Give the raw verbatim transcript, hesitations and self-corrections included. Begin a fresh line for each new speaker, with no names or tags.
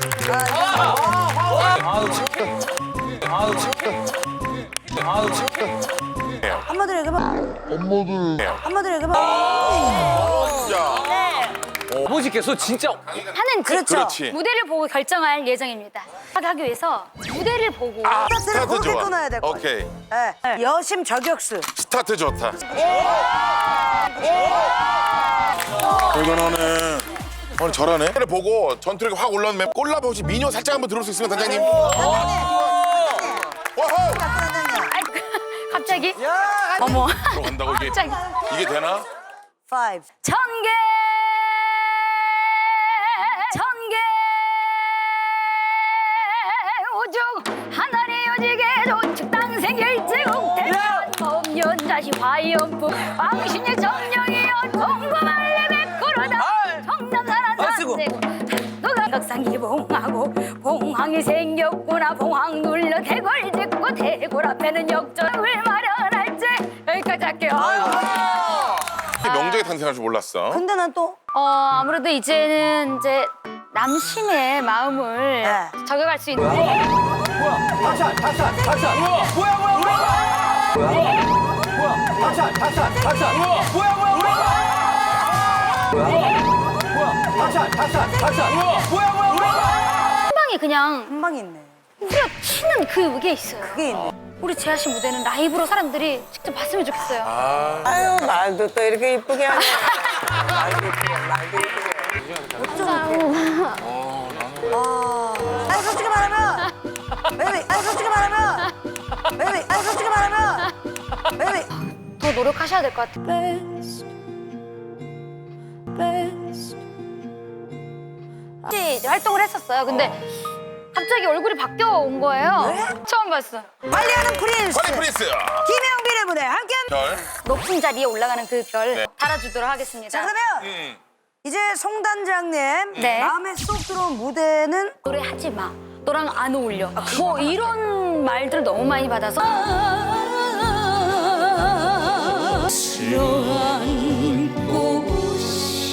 한마디로 얘기해봐.
엄마들.
한마디로 얘기해봐.
아버지께서 진짜
하는
그렇죠.
그렇지.
무대를 보고 결정할 예정입니다. 하기 위해서 무대를 보고
아,
스타트를
스타트
그렇게
좋아.
끊어야 될 거야.
오케이.
네. 여심 저격수.
스타트 좋다. 이거는 오늘 저러네. 를 보고 전투력이 확 올라오면 꼴라보 혹시 미녀 살짝 한번 들을 수 있으면 단장님. 와호!
갑자기 어머
들어간다고 이게
갑자기
이게 되나?
Five.
천개 천개 오죽 하늘이 오지게 조축 땅생일제국 대한 법연자시 화염부 왕신의 정령이여 동거말레 백구르다 정남사란 산세고 너가 덕상이 봉하고 봉황이 생겼구나 봉황 눌러 대궐 짓고 대궐 앞에는 역전을 마련할지 여기까지 할게요.
명작이 탄생할 줄 몰랐어.
근데 난 또
어 아무래도 이제는 이제 남심의 마음을
네.
저격할 수 있는
다시 다시 다시 뭐야 뭐야 뭐야 뭐야 뭐야 다시 다시 다시 뭐야 뭐야 뭐야 뭐야 다시 다시 다시 뭐야 뭐야 뭐야
한 방에 그냥
한 방이 있네.
후려 치는 그게 있어요.
그게 있네.
우리 재하 씨 무대는 라이브로 사람들이 직접 봤으면 좋겠어요.
아유 말도 또 이렇게 이쁘게 하네. 말도 이쁘게 말도 이쁘게.
아니 솔직히 말하면 베이비. 아니 솔직히 말하면 베이비. 아니 솔직히 말하면 베이비.
더 노력하셔야 될 것 같아요. 이제 활동을 했었어요. 근데 갑자기 얼굴이 바뀌어 온 거예요. 처음 봤어.
관리하는 프린스.
파리 프린스.
김영빈의 무대 함께.
별.
높은 자리에 올라가는 그 별
네.
달아주도록 하겠습니다.
자 그러면
음.
이제 송단장님
네.
마음에 쏙 들어온 무대는
노래하지 마. 너랑 안 어울려. 뭐 이런 말들을 너무 많이 받아서.